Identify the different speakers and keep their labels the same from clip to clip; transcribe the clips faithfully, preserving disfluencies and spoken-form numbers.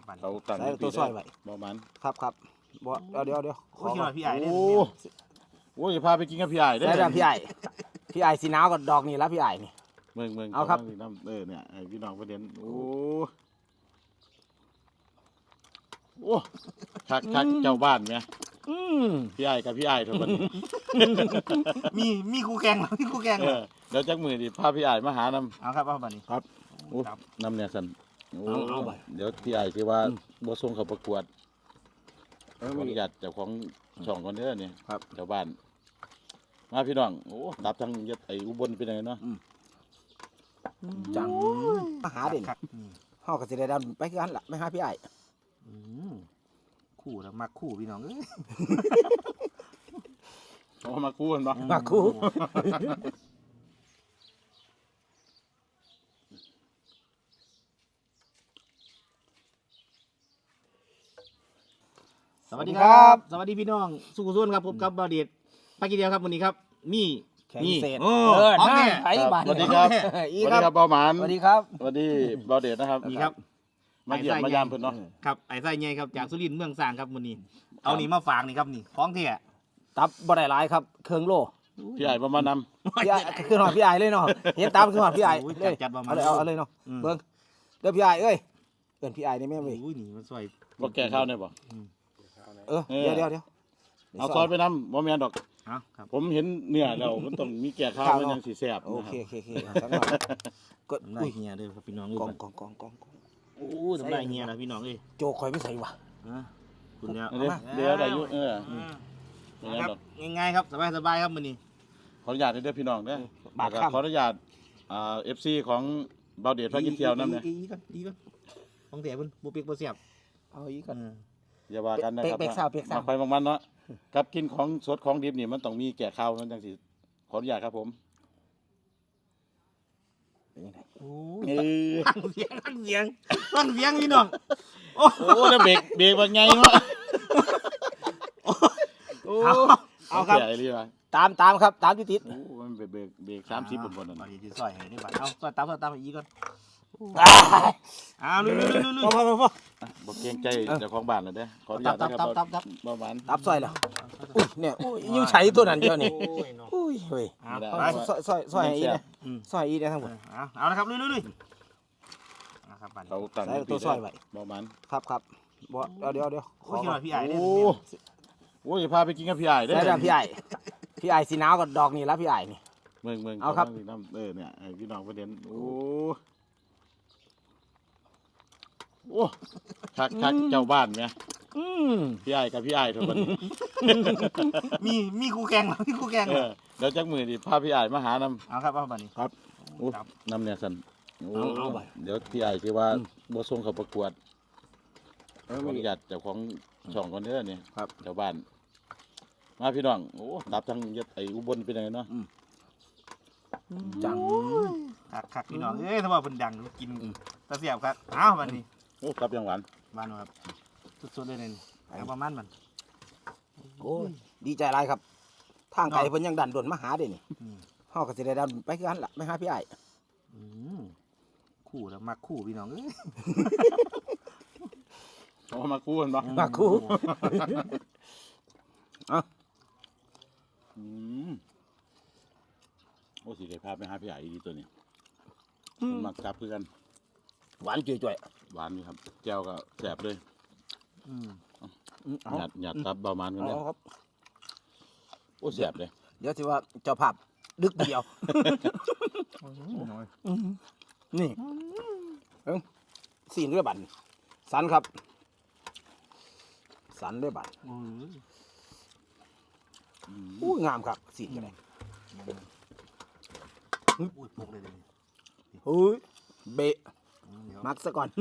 Speaker 1: ครับบัด
Speaker 2: เขาตั้ง
Speaker 3: ใส่ตัวซอยไว้
Speaker 2: บ่มัน
Speaker 3: ครับครับบ่เดี๋ยวเดี๋ยวเดี๋ยว
Speaker 1: โอ้ยคิดว่าพี่ไอ้เนี่ย
Speaker 2: โอ้โอ้ยพาไปกินกับพี่ใหญ่ได้
Speaker 3: ได้แล้วพี่ไอ้พี่ไอ้สีหนาวกับดอกนี่แล้วพี่ไอ้นี่
Speaker 2: เมืองเมือง
Speaker 3: เอาครับ
Speaker 2: น้ำเออเนี่ยให้พี่น้องประเด็นโอ้โอ้คักคักเจ้าบ้านไหม
Speaker 3: อืม
Speaker 2: พี่ใหญ่กับพี่ใหญ่ทุกคน
Speaker 1: มีมีคู่แข่งเหรอมีคู่แข่ง
Speaker 2: เอ
Speaker 1: เหรอ
Speaker 2: อเดี๋ยวจักมือดิพาพี่ใหญ่มาหานำ
Speaker 1: เอาครับเอาบัดนี้
Speaker 2: โอ้นำเนี่ยสันโอ้
Speaker 3: เอาเอาไป
Speaker 2: เดี๋ยวพี่ใหญ่คือว่า
Speaker 3: อืม
Speaker 2: บ่ส่งเขาประกวด
Speaker 3: เออ
Speaker 2: ขอ
Speaker 3: ไม่
Speaker 2: อนุ
Speaker 3: ดี
Speaker 2: ญาตเจ้าของช่องก่อนเด้อเนี่ย
Speaker 3: ครับ
Speaker 2: เจ้าบ้านมาพี่น้องโอ้ดับทั้งยศไอ้อุบลเป็นไงเนาะ
Speaker 3: จังมาหาเด่น
Speaker 1: ครับอืม
Speaker 3: เฮาก็สิได้ดันไปคือกันล่ะไม่หาพี่ไอ้
Speaker 1: อืมคู่แล้วมักคู่พี่น้องเอ้ย
Speaker 2: เอามาคู่กันบ่
Speaker 3: มาคู่
Speaker 1: สวัสดีครับ สวัสดีพี่น้องสุขุสุนครับผมกับบาวเดชไปกี่เดียวครับวันนี้ครับมี
Speaker 3: แข่ง
Speaker 1: นี่
Speaker 3: เศษ
Speaker 1: โอ้
Speaker 3: เออ
Speaker 1: พร้อม
Speaker 3: นั่
Speaker 1: เนี่
Speaker 3: น
Speaker 1: ย
Speaker 3: ไผบ้าน
Speaker 2: สวัสดีครับ
Speaker 3: อี
Speaker 2: สวัส
Speaker 3: ค
Speaker 2: ดี
Speaker 3: รับ
Speaker 2: ครับเบาหมาน
Speaker 3: สวัสดีครับ
Speaker 2: สวัสดีเบาเดชนะครับ
Speaker 1: นี่ครับ
Speaker 2: มาเยี่ยมมายามเพิ่นเนาะ
Speaker 1: ครับไอ้ไส้ใหญ่ครับจากสุรินทร์เมืองสร้างครับวันนี้ เอานี่มาฝากนี่ครับนี่ของเที่ย
Speaker 3: ตับบ่ได้หลายครับเครื่องโล
Speaker 2: พี่ใหญ่บ่มานำ
Speaker 3: พี่ไอ้คือหอดพี่ไอ้เลยเนาะเห็นตามคือหอดพี่ไอ้
Speaker 1: โอ้ย
Speaker 3: เลย
Speaker 1: จัดประมาณ
Speaker 3: เอาเลยเอาเอาเลยเนาะ
Speaker 1: อืม
Speaker 3: เบิ่งเด้อพี่ไอ้เอ้ยเอิ้นพี่ไอ้นี่แม่เว้ย
Speaker 1: โอ้ยนี่มันสวย
Speaker 2: บ่แก่ข้าวได้บ่
Speaker 3: เออเดี๋ยวเดี๋ยวเดี๋ยว
Speaker 2: เอาซอยไปนำบ่แม่นดอก
Speaker 1: เอาครับ
Speaker 2: ผมเห็นเนื้อแล้วมันต้องมีแก่ข้าว
Speaker 3: ข้าว
Speaker 2: มัน
Speaker 3: เนาะ
Speaker 2: ยังสิแซ่บ
Speaker 3: โอ
Speaker 2: นะค
Speaker 3: เครับ โอเคโอเคสักหน่อยกด
Speaker 1: น้ำลา
Speaker 3: อุ้
Speaker 1: ย
Speaker 3: ย
Speaker 1: เฮียเด้อครับพี่น้อง
Speaker 3: ก
Speaker 1: เอ้
Speaker 3: อง
Speaker 1: ย
Speaker 3: กองกองกองกอง
Speaker 1: โอ้น้ำลายเฮียนะพี่น้องเอ้ย
Speaker 3: โจข่อยไม่ใส่ว่ะ
Speaker 1: อ่ะคุณเนี่ย
Speaker 2: เดี๋ยวเดี๋ยวได้อยู่เออ
Speaker 1: อืม
Speaker 2: บ่แม่น
Speaker 1: ครับ
Speaker 2: ดอก
Speaker 1: ง่ายๆครับสบายสบายๆครับมื้อนี้
Speaker 2: ขออนุญาตเด้อพี่น้องเด้อบ
Speaker 3: าท
Speaker 2: แล้ว
Speaker 3: ค่ำ
Speaker 2: ก็ขออนุญาตอ่า เอฟ ซี ของเบาเดชพากินเที่ยวนํเนี่ย
Speaker 1: อีก่อนอีก่อนของเสียเพิ่นบ่เปียกบ่เสียบ
Speaker 3: เอาอีกก่อน
Speaker 1: อืม
Speaker 2: อย่าว่ากันนะครับ
Speaker 3: เป๊กๆสาวเป๊กๆสาว
Speaker 2: มาไปบางมันเนาะกับกินของสดของดิบนี่มันต้องมีแก่ข้าวมันจังสิขออนุญาตครับผม
Speaker 3: เป็นยังไง
Speaker 1: โอ้
Speaker 3: เอย อ
Speaker 1: ฟังเสียงฟังเสียงฟังเสียงพี่น้องโอ้
Speaker 2: โอ้แล้วเบรกเบรกว่าไงวะโอ้
Speaker 1: เอาครับ
Speaker 2: ใหญ่เลยว่ะ
Speaker 3: ตามตามครับตามที่ติด
Speaker 2: โอ้มันเบรกเบรกเบรกสามสิบบนบนนั่น
Speaker 1: บัดนี้สิซอยให้ได้บัดเอาซอยตามซอยตามอีกก่อน
Speaker 3: อ้าย
Speaker 1: เอาลุยๆๆ
Speaker 3: พอพอพอพอ
Speaker 2: บอกเกรงใจเจ้าของบ้านเลยเด้อขออนุญาต
Speaker 1: ตั
Speaker 2: นะ
Speaker 1: บ
Speaker 2: ค
Speaker 1: ตั
Speaker 2: รั
Speaker 1: บบ ตับตับ
Speaker 2: ประมาณ
Speaker 3: ตับซอยแล้ว
Speaker 1: ๆ
Speaker 3: อุ้ยเนี่ยอุ้ยยิ่งใช้ตัวนั้นเดียวนี่
Speaker 1: โอ้ยเนาะ
Speaker 3: อุ้ยเฮ้ย
Speaker 1: เอา
Speaker 2: ไม่ได้
Speaker 1: ไป
Speaker 3: ซอยซอยซอยให้อีเนี่ย
Speaker 1: อืม
Speaker 3: ซอยอีเนี่ยทั้งหมด
Speaker 1: เอาเอาละครับลุยๆๆเอาครับบัดนี้
Speaker 2: เขาตั้ง
Speaker 3: ใส่ตัวซอยไว้
Speaker 2: ประมาณ
Speaker 3: ครับครับบ่เดี๋ยวเดี๋ยวเดี๋ยว
Speaker 1: โอ้ยคิดว่าพี่ไอ้เนี่ย
Speaker 2: โอ้โอ้ยพาไปกินกับพี่ใหญ่ได้
Speaker 3: ได้แล้วพี่ไอ้พี่ไอ้สีหนาวกับดอกนี่แล้วพี่ไอ้นี่
Speaker 2: เมืองเมือง
Speaker 3: เอาครับ
Speaker 2: น้ำเออเนี่ยให้พี่น้องประเด็นโอ้โอ้คักคักเจ้าบ้านไหม
Speaker 3: อืม
Speaker 2: พี่ใหญ่กับพี่ใหญ่ทุกคน
Speaker 1: มีมีคู่แข่งเหรอมีคู่แข่ง
Speaker 2: เอ
Speaker 1: เหรอ
Speaker 2: อเดี๋ยวจักมือดิพาพี่ใหญ่มาหานำ
Speaker 1: เอาครับเอาบัดนี้
Speaker 2: โอ้
Speaker 1: ครับ
Speaker 2: นำเนี่ยสันโอ้
Speaker 3: เอาเอาไป
Speaker 2: เดี๋ยวพี่ใหญ่คือว่า
Speaker 3: อืม
Speaker 2: บ่ส่งเขาประกวด
Speaker 3: เออ
Speaker 2: ขอ
Speaker 3: ไม่
Speaker 2: อ
Speaker 3: ดี
Speaker 2: นุญาตเจ้าของช่องก่อนเด้อเนี่ย
Speaker 3: ครับ
Speaker 2: เจ้าบ้าน มาพี่น้องโอ้ดับทั้งยศไอ้อุบลเป็นไงเนาะ
Speaker 3: จัง
Speaker 1: คักคักพี่น้องเอ้ยถ้าว่าเพิ่นดังกิน
Speaker 3: อืม
Speaker 1: ตะเสียบครับเอาบัดนี้
Speaker 2: โอ้กลับยังหวาน
Speaker 1: บ้านครับสุดๆเลยนี่เอาประมาณมัน
Speaker 3: โอ้ยดีใจหลายครับ ทางไกล
Speaker 1: เนาะ
Speaker 3: เพิ่นยังดันด่วนมาหาเด้นี่
Speaker 1: อืม
Speaker 3: เฮาก็สิได้ดันไปคือกันล่ะไม่หาพี่ไอ้
Speaker 1: อืมคู่แล้วมักคู่พี่น้องเอ้ย
Speaker 2: เอามาคู่กันบ่
Speaker 3: มาคู่
Speaker 2: อืมโอ้สิได้พาไปหาพี่ใหญ่ดีตัวนี้
Speaker 3: อืม
Speaker 2: มันมักกลับคือกัน
Speaker 3: หวานจ่วย
Speaker 2: หวานนี่ครับแก้วก็แสบเลย
Speaker 1: อืม
Speaker 3: ๆอืมเอา
Speaker 2: หยาดหยาดตับเบามันกันเลย
Speaker 3: เอาครับ
Speaker 2: โอ้แสบเลย
Speaker 3: เดี๋ยวสิว่าเจ้าภาพดึกเดียวอืมนี่เอ้าสีนด้วยบัตรสันครับ สันด้วยบัตร
Speaker 1: โอ้ย
Speaker 2: อืม
Speaker 3: อู้งามครับสีนกันเลย
Speaker 1: อุ้ยปลุกเลยเลย
Speaker 3: เฮ้ยเบะ
Speaker 1: อืมเดี๋ยว
Speaker 3: มักซะก่อน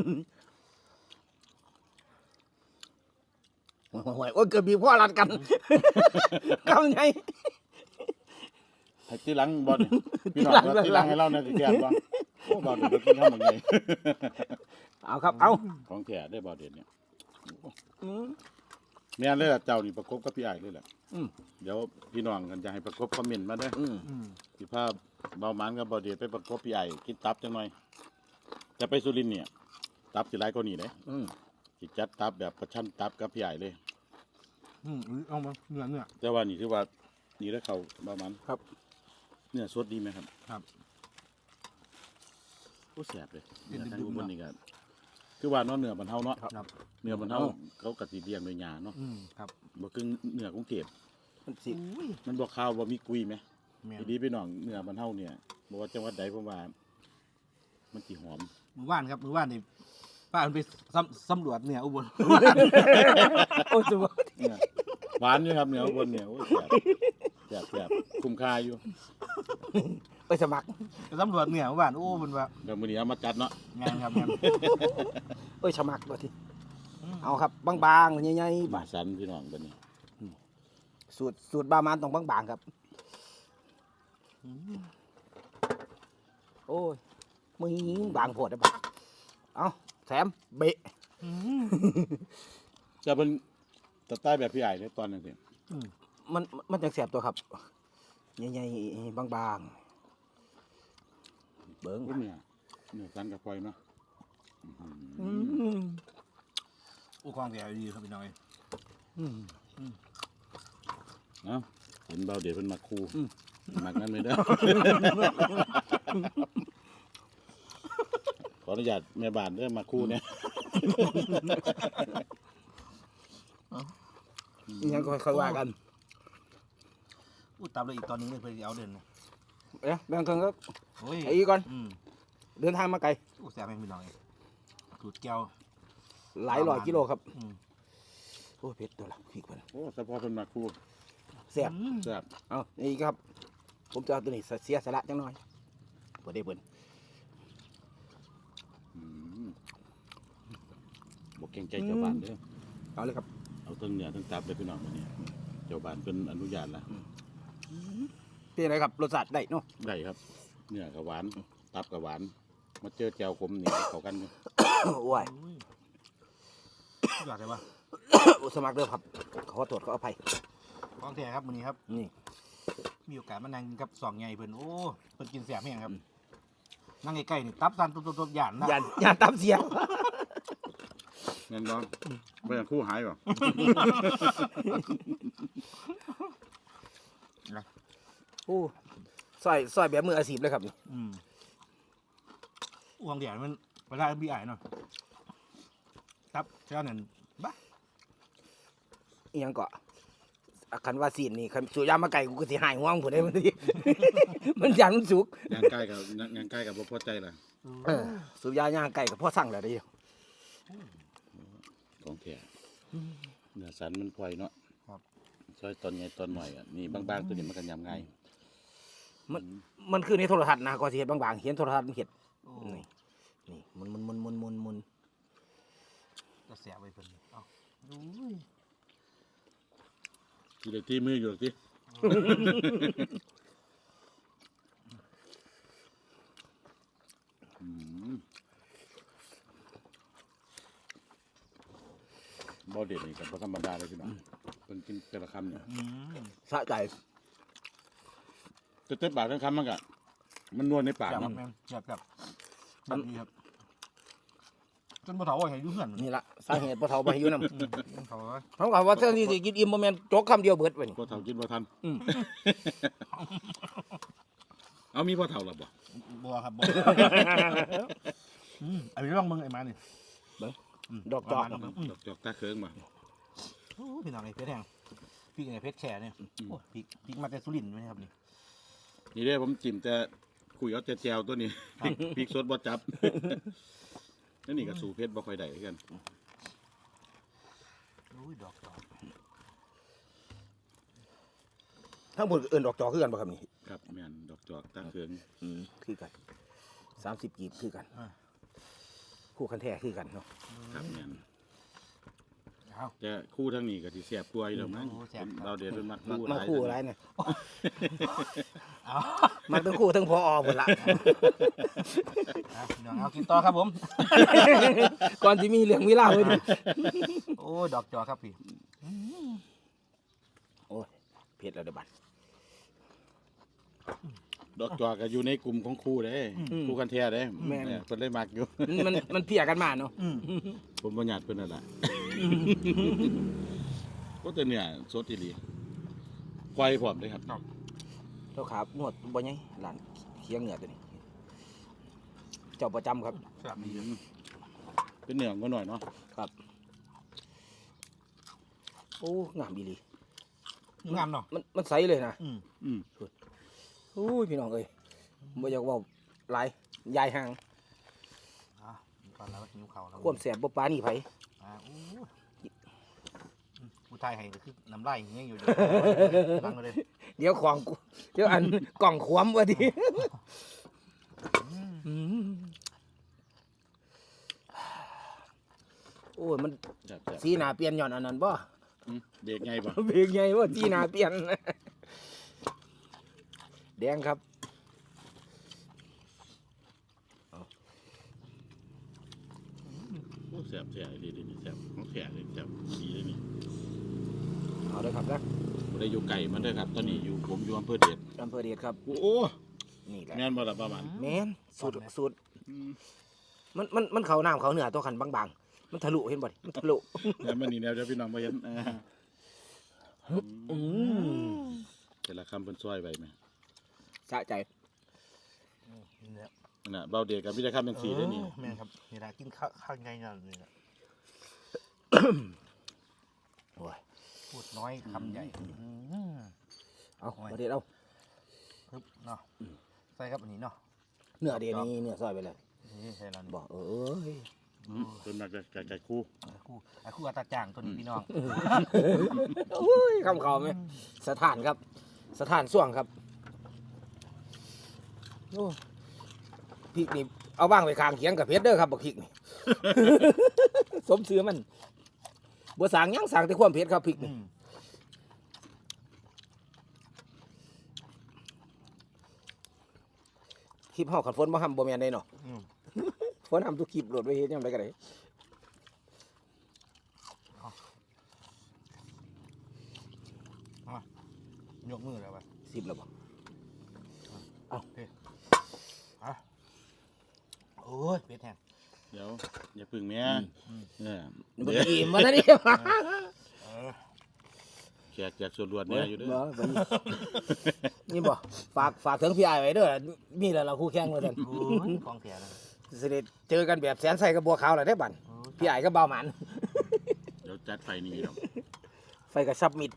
Speaker 3: โอ้ยโอ้ยเกือบบีบพ่อรัดกันกำไง
Speaker 2: ให้ที่หลังบอลเนี่ยพี่น้อง
Speaker 3: ที่หลัง
Speaker 2: ที่หลังให้เราเนี่ยสิแกนบ่โอ้บอลเดี๋ยวกินข้าวมันไง
Speaker 3: เอาครับเอา
Speaker 2: ของแท้ได้บอลเด็ดเนี่ย
Speaker 3: อืม
Speaker 2: แม่นเลยล่ะเจ้านี่ประกบกับพี่ใหญ่เลยแหละ
Speaker 3: อืม
Speaker 2: เดี๋ยวพี่น้องกันจะให้ประกบคอมเมนต์มาเด้อ
Speaker 3: อืม
Speaker 1: อืม
Speaker 2: สิภาพเบามันกับบอลเด็ดไปประกบพี่ใหญ่กินตับจังหน่อยจะไปสุรินทร์เนี่ยตับสิหลายกว่านี้เด้
Speaker 3: อืม
Speaker 2: สิจัดตับแบบประชันตับกับพี่ใหญ่เลย
Speaker 1: อืมเอามาเนื้อเนื้อ
Speaker 2: แต่ว่านี่คือว่านี่แล้วเขาประมาณ
Speaker 3: ครับ
Speaker 2: เนื้อสดดีไหมครับ
Speaker 1: ครับ
Speaker 2: โอ้แสบเลย
Speaker 1: เป็
Speaker 2: เนื้
Speaker 1: น
Speaker 2: อ
Speaker 1: ดึ
Speaker 2: ทาง
Speaker 1: งๆ
Speaker 2: อุบลนี่ก็คือว่าเนาะเนื้อมันเฮาเนาะ
Speaker 1: ครับ
Speaker 2: เนื้อมันเฮาเขากะสิเลี้ยงด้วยหญ้าเนาะ
Speaker 1: อืมครับ
Speaker 2: บ่คือเนื้อกรุงเทพ
Speaker 3: มันสิ
Speaker 1: อุ้ย
Speaker 2: มันบ่ข้าวบ่มีกุยไหม
Speaker 1: แม่น
Speaker 2: ทีนี้พี่น้องเนื้อมันเฮาเนี่ยบ่ว่าจังหวัดใดผมว่า มันสิหอม
Speaker 1: มือว่านครับมือว่านนี่ป้ามันไปสำสำรวจเนี่ยอุบล
Speaker 3: โอ้ยสุด
Speaker 2: เนี่ยหวานอยู่ครับเนื้ออุบลเนี่ยโอ้ยแสบแสบแสบคุ้มค่าอยู่
Speaker 3: ไปสมัคร
Speaker 1: ไปสำรวจเนี่ยมือว่านโอ้มันว่า
Speaker 2: เดี๋ยวมื้อนี้เอามาจัดเนาะ
Speaker 1: งานครับงาน
Speaker 3: เอ้ยสมัครบ่ทีเอาครับบางๆใหญ่ๆ
Speaker 2: บา
Speaker 3: บาด
Speaker 2: สันพี่น้องบัดนี้
Speaker 3: สูตรสูตรบามันต้องบางๆครับ โอ้ยมึงบางโพดได้ปะเอาแถมเบะ
Speaker 2: จะเป็นสไตล์แบบพี่ใหญ่ในตอนนั้นสิ
Speaker 3: มันมันจะแสบตัวครับใหญ่ๆบางๆเบิ้ง
Speaker 2: โอ้เนี่ยเนื้อสันกับพลอยเนาะ
Speaker 3: อืม
Speaker 1: โอ้ความแก่ดีครับพี่น้อย
Speaker 3: อืม
Speaker 2: เนาะเห็นเบาเดี๋ยวเป็นมาคู
Speaker 3: อืม
Speaker 2: มักนั้นไม่ได้ ขออนุญาตแม่บ้านเด้อมาคูเนี่ย
Speaker 3: อิหยังก็ค่อยๆว่ากัน
Speaker 1: อู้ตามเลยอีกตอนนึงเลยเพื่อจะเอาเดินนะ
Speaker 3: เอ๊ะแบ่งกันก็
Speaker 1: โอ้ย
Speaker 3: ไอ้อีกก่อน
Speaker 1: อืม
Speaker 3: เดินทางมาไกล
Speaker 1: อู้แซ่บแม่งพี่น้อยสูตรแก้ว
Speaker 3: หลายร้อยกิโลครับ
Speaker 1: อืม
Speaker 3: โอ้ยเผ็ดตัวละพริกมัน
Speaker 2: โอ้เฉพาะเป็นมาคู
Speaker 3: แซ่บ
Speaker 1: อืม
Speaker 2: แซ่บ
Speaker 3: เอานี่ครับ ผมจะเอาตัวนี้เสียสละจังหน่อยเปิดได้เปิด
Speaker 2: อืมบอกเก่งใจเจ้าบ้านเด้อ
Speaker 3: เอาเลยครับ
Speaker 2: เอาทั้งเนื้อทั้งตับเลยพี่น้องมาเนี่ยเจ้าบ้านเป็นอนุญาตละ
Speaker 3: เป็นไรครับรสชาติได้เนาะ
Speaker 2: ได้ครับ เนื้อกับหวานตับกับหวาน มาเจอแจวขมนี่เข้ากันอยู่
Speaker 3: โอ้ย
Speaker 1: อุ้ยอยากได้ปะ
Speaker 3: สมัครเด้อครับขอโทษขออภัย
Speaker 1: ของแท้ครับมื้อนี้ครับ
Speaker 3: นี่
Speaker 1: มีโอกาสมานั่งกินกับสองใหญ่เพิ่นโอ้เพิ่นกินแซ่บแม่งครับนั่งใกล้ๆนี่ตับสั่นตุ๊บๆๆย่านนะ
Speaker 3: ยานยานตามเสียง
Speaker 2: เงินร้อนไม่อย่างคู่หายป่ะ
Speaker 3: โอ้ซอยซอยแบบมืออาชีพเลยครับนี่
Speaker 1: อืมอ้วงเดียวมันเวลาบีไอเนาะครับเช้านั้นบ้า
Speaker 3: อิหยังก็อ่ะคันว่าซีนนี่คันสูยามมาไก่กูก็สิหายห่วงผู้ใดมันสิ มันยันมันสุก
Speaker 2: งานใกล้กับงานใกล้กับบ่พอใจล่ะ
Speaker 3: เออสูบยาย่างไก่กับพ่อสั่งแล้วเดิ
Speaker 2: ของแท้เนื้อสันมันพลอยเนาะ
Speaker 1: ครับ
Speaker 2: ซอยตอนใหญ่ตอนหน่อยอ่ะนี่บางๆตัวนี้มันกันยำง่าย
Speaker 3: มันมันคือในโทรทัศน์นะก็สิเฮ็ดบางๆเห็นโทรทัศน์มันเฮ็ด
Speaker 1: โอ้
Speaker 3: นี่นี่มุนมุนมุนมุนมุนมุน
Speaker 1: จะแสบไปเพิ่นเอ้าอุ้ย
Speaker 2: ทีเดียวที่มืออยู่หรอกที่อืมบ่เด็ดนี่กับบ่ธรรมดาเลยพี่น้องเพิ่นกินแต่ละคำเนี่ย
Speaker 1: อืม
Speaker 3: สะใจ
Speaker 2: แต่เต็มปากทั้งคำมันก็มันนวลในปาก
Speaker 1: แสบครั
Speaker 2: เนาะ
Speaker 1: บแม่งแสบครับแบบนี้ครับจนบ่เฒ่าว่าให้อยู่เฮือน
Speaker 3: นี่ละสาเหตุพ่อเฒ่าบ่ให้อยู่นำ
Speaker 1: อืมเขาว่า
Speaker 3: เขาก็ว่าเท่านี้สิกินอิ่มบ่แม่นจกคำเดียวเบิดไว้นี่
Speaker 2: พอเท่ากินพอทัน
Speaker 3: อืม
Speaker 2: เอามีพอเท่าหรอบ่
Speaker 1: บัวครับบัวอืมอันนี้ลองมึงไอ้มานี่ม
Speaker 3: ดอกจอก
Speaker 1: เามาลงมึง
Speaker 2: ดอกจอกตาเคิงมา
Speaker 1: โอ้พี่น้องไอ้เพชรแห้งพริกไอ้เพชรแฉเนี่ยโอ้พริกพริกมาแต่สุรินทร์ไหมครับนี่
Speaker 2: นี่เด้ผมจิ้มแต่คุยเอาแต่แจวตัวนี้พริกพริกสดบ่จับนั่นนี่ก็สู่เพชรบ่ค่อยได้คือกัน
Speaker 1: โอ้ยดอกจอก
Speaker 3: ทั้งหมดเอิ้นดอกจอกคือกันบ่ครับนี่
Speaker 2: ครับแม่นดอกจอกตาเคิง
Speaker 3: อืมคือกันสามสิบกีบคือกันคู่คันแท้คือกันเนาะ
Speaker 2: ครับแม่น
Speaker 1: เอา
Speaker 2: แต่คู่ทั้งนี้ก็สิแซ่บกว่าอยู่แล้วมั้ง
Speaker 1: โอ้แซ่บครับ
Speaker 2: เราเดี๋ยวเป็นมัก
Speaker 3: มา
Speaker 2: คู่
Speaker 3: มาคู่อะไรเนี่ย
Speaker 1: เอา
Speaker 3: มาทั้งคู่ทั้งพออหมดละ
Speaker 1: เอาพี่น้องเอากินต่อครับผม
Speaker 3: ก่อนที่มีเรื่องมีเล่าวไว้ดิ
Speaker 1: โอ้ยดอกจอกครับพี่
Speaker 3: โอ้ยเผ็ดแล้วเดี๋ยวบัด
Speaker 2: ดอกจอกก็อยู่ในกลุ่มของครูเด้ครูกันแท้เด้
Speaker 3: แม่น
Speaker 2: เนี่ยเพิ่นเลยมักอยู่
Speaker 3: มันมันเพียกันมาเนาะ
Speaker 1: อืม
Speaker 2: ผมบ่ญาติเพิ่นนั่นล่ะก็แต่เนี่ยสดอีหลีควายพร้อมเด้ครับ
Speaker 3: เจ้าขาหนวดบ่ใหญ่หลานเคียงเหนือตัวนี้ เจ้าประจำครับ
Speaker 1: ครับดี
Speaker 2: อืมเป็นเหนือก็หน่อยเนาะ
Speaker 3: ครับ โอ้งามดีหลี
Speaker 1: งามเนาะ
Speaker 3: มันมันใสเลยนะ
Speaker 1: อืม
Speaker 2: อืม
Speaker 3: โอ้ยพี่น้องเอ้ยบ่อยากเว่าหลายยายห่าง
Speaker 1: อ่ะก่อนแล้วหิวข้าวแล้ว
Speaker 3: ความแสบบ่ปานนี่ไผ
Speaker 1: อ่าอู้ผู้ชายให้ก็คือน้ำลายอย่างเงี้ยอยู่ นั่งเลย
Speaker 3: เดี๋ยวของกูเดี๋ยวอันกล่องขวมว่าดิอืมโอ้ยมัน
Speaker 2: จับ
Speaker 3: สีหน้าเปลี่ยนย้อนอันนั้นบ่
Speaker 2: เด็กไงบ่
Speaker 3: เบรกใหญ่ว่าสีหน้าเปลี่ยนแดงครับ
Speaker 2: โอ้แซ่บแซ่บดีดีนี่แซ่บของแท้เลยแซ่บดีเลยนี่
Speaker 3: เอาเลยครับนะ
Speaker 2: บ่ได้อยู่ไก่มันเด้อครับ ตอนนี้อยู่ผมอยู่อำเภอเดช
Speaker 3: อำเภอเดชครับ
Speaker 2: โอ้โอ้
Speaker 3: นี่แหละ
Speaker 2: แม่นบ่ล่ะประมาณ
Speaker 3: แม่นสูตรสูตร
Speaker 2: อืม
Speaker 3: มันมันมันเขาน้ำเขาเหนือตัวขันบางๆ มันทะลุเห็นบ่ดิมันทะลุ
Speaker 2: แล้วมันนี่แนวเดี๋ยวพี่น้องบ่เห็นอ่า
Speaker 3: อืม
Speaker 2: แต่ละคำเพิ่นซอยไว้แม่
Speaker 3: สะใจ
Speaker 1: นี่แหละ
Speaker 2: นั่นน่ะเบาเด็กกับวิธีคำจังซี่เด้อนี่
Speaker 1: แม่นครับนี่แหละกินข้าวข้าวไงนั่นนี่แหละ
Speaker 3: โอ้ย
Speaker 1: พูดน้อยคำใหญ่อืม
Speaker 3: เอา
Speaker 1: โอ้ย
Speaker 3: ประเดี๋ยวเอา
Speaker 1: ปึ๊บเนาะใส่ครับอันนี้เนาะ
Speaker 3: เนื้อเดียวนี้เนื้อซอยไปเลย
Speaker 1: นี่ใส่แล้วนี่
Speaker 3: บอกเอ้ย
Speaker 2: อืมเพิ่นมาจะไก่คู่
Speaker 1: ไอ้คู่ไอ้คู่อัตราจ้างตัวนี้พี่น้อง
Speaker 3: โอ้ยคำเขาไหมสถานครับ สถานส่วงครับโอ้พริกนี่เอาบ้างไปคางเคียงกับเพชรเด้อครับบักพริกนี่ สมเสือมันบัวสางหยังสางแต่ความเผ็ดครับพริก
Speaker 1: อื
Speaker 3: นี่
Speaker 1: ม
Speaker 3: คลิปเฮาขันฝนบ่ห้ำบ่แม่นได้เนาะ
Speaker 1: อืม
Speaker 3: ฝนห้ำทุกคลิปโหลดไว้เฮ็ดยังไงก็ได้
Speaker 1: ยกมือแล้วป่ะ
Speaker 3: สิบแล้วบ่
Speaker 1: โอ้ยเป็ดแห้ง
Speaker 2: เดี๋ยวอย่าพึ่งแม่
Speaker 1: อืม
Speaker 2: เออ
Speaker 3: บ่
Speaker 2: เดี๋ยว
Speaker 3: ได้อิ่มบ่ได้นี่
Speaker 1: เออ
Speaker 2: แขกจากส่วนรวดเนี่ยอยู่เด้อ
Speaker 3: บ่บ่นี่บ่ฝากฝากถึงพี่อ้ายไว้เด้อมีแล้วเราคู่แข่งว่าซั่น
Speaker 1: โอ้ยของแถนะ
Speaker 3: สิได้เจอกันแบบแสนใส่กับบัวขาวแล้วได้บัด
Speaker 1: โอ้ย
Speaker 3: พี่อ้ายก็เบาหมัน
Speaker 2: เดี๋ยวจัดไฟนี่เนาะ
Speaker 3: ไฟก็ซับมิด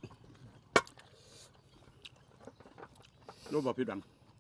Speaker 2: รู้บ่ผิดหวัง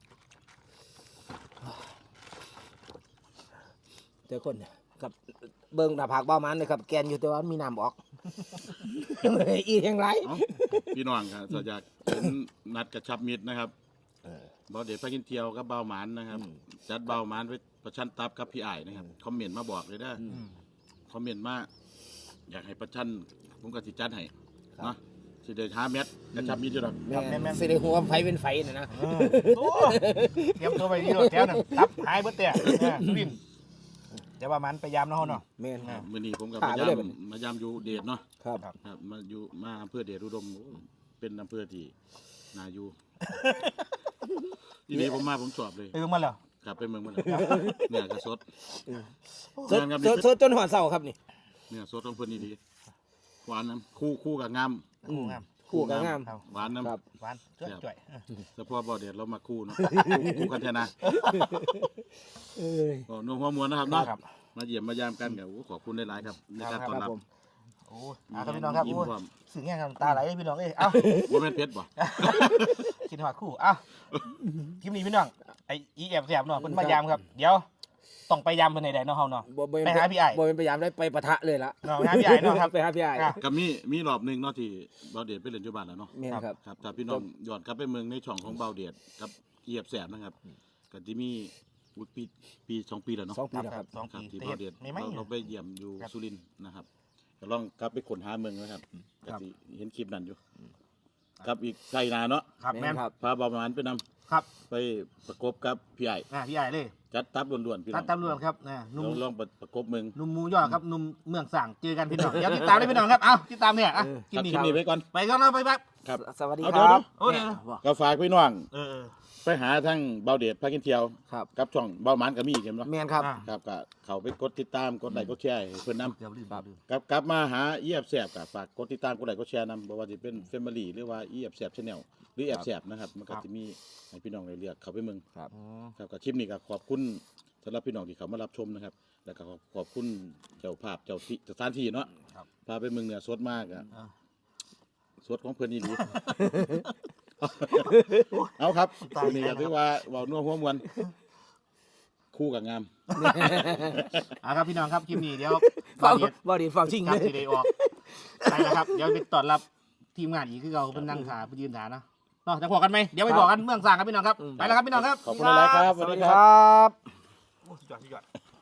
Speaker 3: เจอคนกับเบิ่งหน้าผากเบาหมันเลยครับแกนอยู่แต่ว่ามีน้ำออก อีแห่งไร
Speaker 2: เอ้าพี่น้องครับถ้าอยากเห็นนัดกระชับมิตรนะครับบ่เดี๋ยวไปกินเที่ยวกับเบาหมานนะครับ จัดเบาหมานไว้ประชันตับกับพี่อ้ายนะครับคอมเมนต์มาบอกเลยเด้อ
Speaker 1: อืม
Speaker 2: คอมเมนต์มาอยากให้ประชันผมก็สิจัดให้เนาะสิได้หาเม็ดกระชับมิตรอยู่ดอก
Speaker 3: แม่สิได้หัวไฟเป็นไฟน่ะนะ
Speaker 1: เออโอ้เตรียมตัวไปดีรถแถวหนึงทับหายเบิดแต่เนี่ยสุรินทร์แต่ว่ามันไปยามเนาะเนาะ
Speaker 3: แม่น
Speaker 1: อ่า
Speaker 2: มื้อนี้ผมกับ
Speaker 3: ผ่าม
Speaker 2: าน
Speaker 3: ไป
Speaker 2: ยา
Speaker 3: เลย
Speaker 2: ม
Speaker 3: บัดนี้
Speaker 2: มายามอยู่เดชเนาะ
Speaker 3: ครับ
Speaker 2: ครับมาอยู่มาอำเภอเดชอุดมโอ้เป็นอำเภอที่น่าอยู่ ทีนี้ผมมาผมสอบเลย
Speaker 1: ไปเบิ่งมาแล้ว
Speaker 2: กลับไปเมืองมันเลยเนี่ยกระสด
Speaker 3: สด
Speaker 2: งาม
Speaker 3: สดสดจนหอดเศร้าครับนี่
Speaker 2: เนี่ยสดของเพิ่นนี่ดีหวานน้ำคู่คู่กับงาม
Speaker 1: คู่งาม
Speaker 3: คู่กับงาม
Speaker 1: ครับ
Speaker 2: หวานน้
Speaker 3: ครับ
Speaker 1: หวานจ่วยจ่วยเออ
Speaker 2: ำเฉพาะบ่อเดชเรามาคู่เนาะคู่คู่กันแทนนะ
Speaker 3: เอ้ย
Speaker 2: โอ้นุ่มหัวมวนนะครับเนาะ
Speaker 1: ครับ
Speaker 2: มาเยี่ยมมายามกันกับขอบคุณหลายๆครับในการ
Speaker 1: ครับ
Speaker 2: ต้อน
Speaker 3: ครั
Speaker 2: รั
Speaker 3: บบ ผม
Speaker 1: โอ้ยอ่ะครับพี่น้องครับ
Speaker 2: ยิ้ม
Speaker 1: โอ้ย
Speaker 2: พร้อม
Speaker 1: สึงแง่ครับตาไหลเลยพี่น้องเอ้ยเอ้า
Speaker 2: ว่าแม่นเพชรบ่
Speaker 1: กินหอดคู่เอ้าคลิปนี้พี่น้องไอ้อีแอบแสบเนาะเพิ่นมายามครับ เดี๋ยวต้องไปยามเพิ่นให้ได้เนาะเฮาเนาะ
Speaker 3: บ่บ่
Speaker 1: ไปหาพี่อ้าย
Speaker 3: บ่เป็นพยายามได้ไปปะทะเลยละ
Speaker 1: เนาะไปหาพี่อ้ายเนาะครับ
Speaker 3: ไปหาพี่อ้าย
Speaker 1: อ่ะ
Speaker 2: ก็มีมีรอบหนึงเนาะที่บ่าวเดชไปเล่นอยู่บ้านแล้วเนาะ
Speaker 3: แม่นครับ
Speaker 2: ครับถ้าพี่น้องย้อนกลับไปเมืองในช่องของบ่าวเดชกับเอียบแสบนะครับก็จะมีอุ๊ยปีปีสองปีแล้วเนาะ
Speaker 3: สองปีแล้วครับ
Speaker 1: สอง
Speaker 2: ครับ
Speaker 1: ปี
Speaker 2: ที่
Speaker 1: แต่
Speaker 2: บ่า
Speaker 1: เฮ็
Speaker 2: ว
Speaker 1: ด
Speaker 2: เดช
Speaker 1: ไม่ไหม
Speaker 2: เราเราไปเยี่ยมอยู่
Speaker 1: ครับ
Speaker 2: สุรินทร์นะครับก็ลองกลับไปค้นหาเมืองนะครับก็สิเห็นคลิปนั้นอยู่กับอีกไก่นาเนาะ
Speaker 1: ครับแม่น
Speaker 3: ครับ
Speaker 2: พาบ่าวหมานไปนำ
Speaker 1: ครับ
Speaker 2: ไปประกบกับพี่ไอ้
Speaker 1: อ่าพี่ใหญ่เลย
Speaker 2: จัดตับล้วนๆพี่น้
Speaker 1: ตั
Speaker 2: อ
Speaker 1: ด
Speaker 2: ง
Speaker 1: ตำรวจครับนะห
Speaker 2: ล
Speaker 1: นุ่ม
Speaker 2: องลองประกบมึง
Speaker 1: หนุ่มหมูยอครับหนุ่มเมืองสั่งเจอกันพี่น้องเดี๋ยวติดตามเลยพี่น้องครับเอ้าติดตามเนี่ยอ่ะกิน
Speaker 2: ครับ
Speaker 1: นี่
Speaker 2: คลิปนี้ไว้ก่อน
Speaker 1: ไปก่อนนะไปแป๊บ
Speaker 2: ครับ
Speaker 3: สวัสดี
Speaker 2: เอา
Speaker 3: ค
Speaker 2: เดี๋ยว
Speaker 3: รับ
Speaker 1: โอ้เดี๋ยว
Speaker 2: ก็ฝากพี่น้อง
Speaker 1: เออเออ
Speaker 2: ไปหาทั้งเบาเดชพากินเที่ยว
Speaker 3: ครับ
Speaker 2: กับช่องเบาหมานก็มีอีกเห็นบ่
Speaker 3: แมนครับ
Speaker 1: อ่ะ
Speaker 2: ครับก็เขาไปกดติดตามกดไลค์กดแชร์ให้เพิ่นนำ
Speaker 1: เดี๋ยวลืมลืม
Speaker 2: กลับกลับมาหาอีแอบแสบกับฝากกดติดตามกดไลค์กดแชร์นำบ่ว่าจะเป็นเฟมิลี่หรือว่าอีแอบแสบชาแนลหรือแอบแสบนะครับมันก็จะมีให้พี่น้องได้เลือกเข้าไปเมือง
Speaker 3: ครับ
Speaker 1: อ๋อ
Speaker 2: ครับกับคลิปนี้ก็ขอบคุณสำหรับพี่น้องที่เขามารับชมนะครับ แล้วก็ขอบขอบคุณเจ้าภาพเจ้าที่สถานที่เนาะพาไปเมืองเหนือสดมากอะ
Speaker 1: อ่ะ
Speaker 2: สดของเพิ่นนี่ดี เอาครับวันนี้ก็ถือว่าเว้านัวหัวมวนคู่กับงาม
Speaker 1: อ่ะครับพี่น้องครับคลิปนี้เดี๋ยว
Speaker 3: ฟัง
Speaker 1: เดี๋ยว
Speaker 3: บอดีฟังชิง
Speaker 1: ครั
Speaker 3: เล
Speaker 1: บ
Speaker 3: ย
Speaker 1: ที่ได้ออกไปนะครับเดี๋ยวไปต้อนรับทีมงานอีกคือเราเป็นนั่งขาไปยืนขาเนาะเนาะจะบอกกันไหมเดี๋ยวไปบอกกันเมืองสั่งครับพี่น้องครับไปแล้วครับพี่น้องครับ
Speaker 2: ขอบคุณหลายๆครับสวัสดี
Speaker 3: ค
Speaker 2: ครับ
Speaker 3: รับ
Speaker 1: โอ้สุดยอดสุดยอด